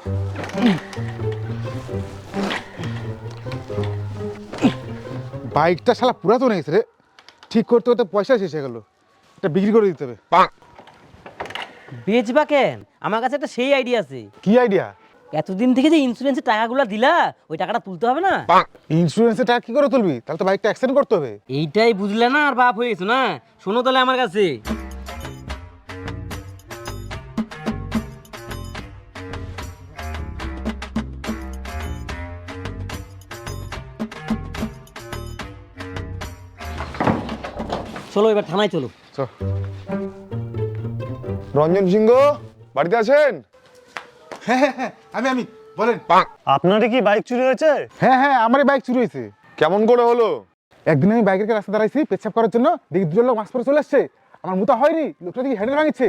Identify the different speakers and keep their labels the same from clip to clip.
Speaker 1: বাইকটা শালা পুরাতন হয়ে গেছে রে, ঠিক করতে করতে পয়সা শেষ হয়ে গেল, এটা বিক্রি করে দিতে হবে।
Speaker 2: বেচবা কেন? আমার কাছে একটা সেই আইডিয়া আছে।
Speaker 1: কি আইডিয়া?
Speaker 2: এতদিন থেকে যে ইন্স্যুরেন্সের টাকাগুলো দিলা, ওই টাকাটা তুলতে হবে না?
Speaker 1: ইন্স্যুরেন্সের টাকা কি করে তুলবি? তাহলে তো বাইকটা অ্যাক্সিডেন্ট করতে হবে।
Speaker 2: এইটাই বুঝলে না, আর বাপ হয়ে গেছো না। শোনো তাহলে আমার কাছে। চলো এবার থানায় চলো।
Speaker 1: চল।
Speaker 3: রঞ্জন সিংহ বাড়িতে আছেন?
Speaker 1: হ্যাঁ হ্যাঁ হ্যাঁ, আমি বলেন।
Speaker 4: আপনারই কি বাইক চুরি হয়েছে?
Speaker 1: হ্যাঁ হ্যাঁ, আমারই বাইক চুরি হয়েছে।
Speaker 3: কেমন করে হলো?
Speaker 1: একদিন আমি বাইকের কাছে রাস্তা দাঁড়াইছি পেচ্ছাপ করার জন্য, দেখি দুজন লোক মাস্ক পরে চলে আসছে। আমার মুতা হয়নি, লোকটা দেখি হ্যান্ডেল ভাঙিচ্ছে।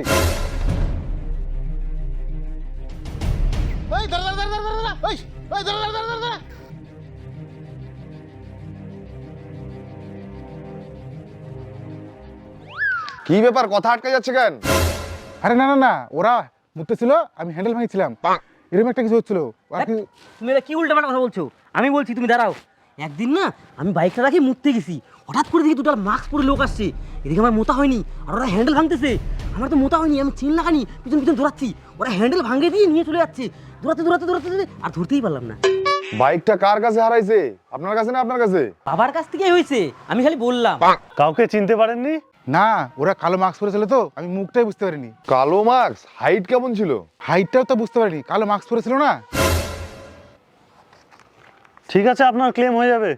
Speaker 3: কি ব্যাপার, কথা আটকে যাচ্ছে কেন?
Speaker 1: আরে না না না, ওরা মুততেছিল, আমি হ্যান্ডেল ভাঙিছিলাম, এরকম একটা কিছু হচ্ছিল। আর কি-
Speaker 2: তুমি এটা কি উল্টাপাল্টা কথা বলছো? আমি বলছি তুমি দাঁড়াও। একদিন না আমি বাইকটা রাখি মুততে গেছি, হঠাৎ করে দেখি দুটো মাস্ক পরে লোক আসছে। এদিকে আমার মোতা হয়নি, আর ওরা হ্যান্ডেল ভাঙতেছে। আমার তো মোতা হয়নি, আমি চেন লাগানি, পিছন পিছন দৌড়াচ্ছি। ওরা হ্যান্ডেল ভাঙে দিয়ে নিয়ে চলে যাচ্ছে, দৌড়াতে দৌড়াতে দৌড়াতে দৌড়াতে, আর ধরতেই পারলাম না।
Speaker 3: বাইকটা কার কাছে হারাইছে? আপনার কাছে না আপনার কাছে?
Speaker 2: বাবার কাছ থেকেই হয়েছে, আমি খালি বললাম।
Speaker 4: কাউকে চিনতে পারেননি?
Speaker 1: না, ওরা কালো মাস্ক পরেছিল তো, আমি মুখটাই বুঝতে পারিনি।
Speaker 3: কালো মার্কস, হাইট কেমন ছিল?
Speaker 1: হাইটটাও তো বুঝতে পারিনি, কালো মাস্ক পরেছিল না।
Speaker 4: ঠিক আছে, আপনার ক্লেম হয়ে যাবে।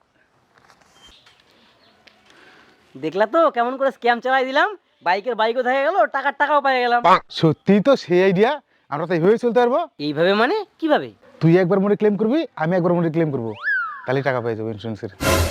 Speaker 2: দেখলা তো কেমন করে স্ক্যাম চালাই দিলাম? বাইকও থেকে গেল, টাকাও পেয়ে গেলাম।
Speaker 1: সত্যি তো সেই আইডিয়া, আমরা তো এইভাবে চলতে পারবো।
Speaker 2: এইভাবে মানে কিভাবে?
Speaker 1: তুই একবার মনে ক্লেম করবি, আমি একবার মনে ক্লেম করবো, তাহলে টাকা পেয়ে যাবো ইন্স্যুরেন্সের।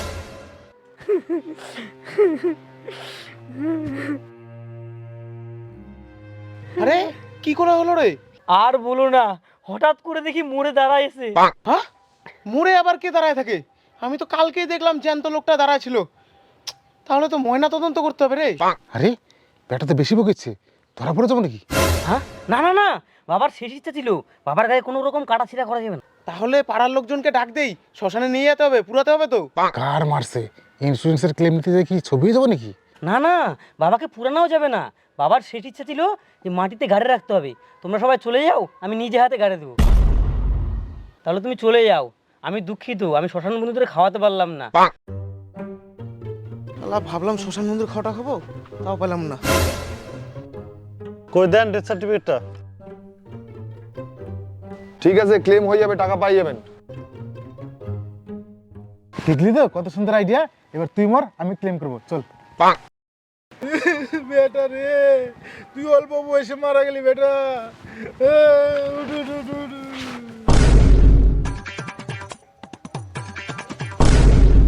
Speaker 5: আরে কি করে হলো রে?
Speaker 2: আর বলো না, হঠাৎ করে দেখি মোড়ে দাঁড়াইছে।
Speaker 5: হ্যাঁ, মোড়ে আবার কে দাঁড়ায় থাকে? আমি তো কালকেই দেখলাম জ্যান্ত লোকটা দাঁড়ায় ছিল। তাহলে তো ময়না তদন্ত করতে হবে রে।
Speaker 1: আরে ব্যাটা তো বেশি বকেছে, ধরা পড়ে যাবো নাকি?
Speaker 2: হ্যাঁ, না না না, বাবার শেষ ইচ্ছা ছিল, বাবার গায়ে কোনো রকম কাটা ছিঁড়া করা যাবে না।
Speaker 5: তাহলে পাড়ার লোকজনকে ডাক দেই, শ্মশানে নিয়ে যেতে হবে, পুরাতে হবে তো।
Speaker 1: কার মারছে? ইন্স্যুরেন্সের ক্লেম নিতে যাই কি ছবি যাবো নাকি?
Speaker 2: না না, বাবাকে পুরানোও যাবে না। বাবার শেষ ইচ্ছা ছিল যে মাটিতে গাড়ি রাখতে হবে। তোমরা সবাই চলে যাও, আমি নিজে হাতে গাড়ি দেবো। তাহলে তুমি চলে যাও, আমি দুঃখিত, আমি শ্মশান বন্ধুদের খাওয়াতে পারলাম না।
Speaker 5: আল্লাহ, ভাবলাম শ্মশান মন্দির খাওয়াটা খাবো, তাও পেলাম না।
Speaker 4: কই দেন ডেথ সার্টিফিকেটটা।
Speaker 3: ঠিক আছে, ক্লেম হয়ে যাবে, টাকা পাই যাবেন।
Speaker 1: দেখলি তো কত সুন্দর আইডিয়া। এবার তুই মর, আমি ক্লেম করবো, চল। বেটা রে, তুই অল্প বয়সে মারা গেলি বেটা।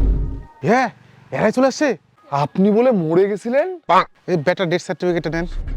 Speaker 1: হ্যাঁ, এরাই চলে আসছে।
Speaker 3: আপনি বলে মরে গেছিলেন?
Speaker 1: এই বেটা ডেথ সার্টিফিকেটটা নেন।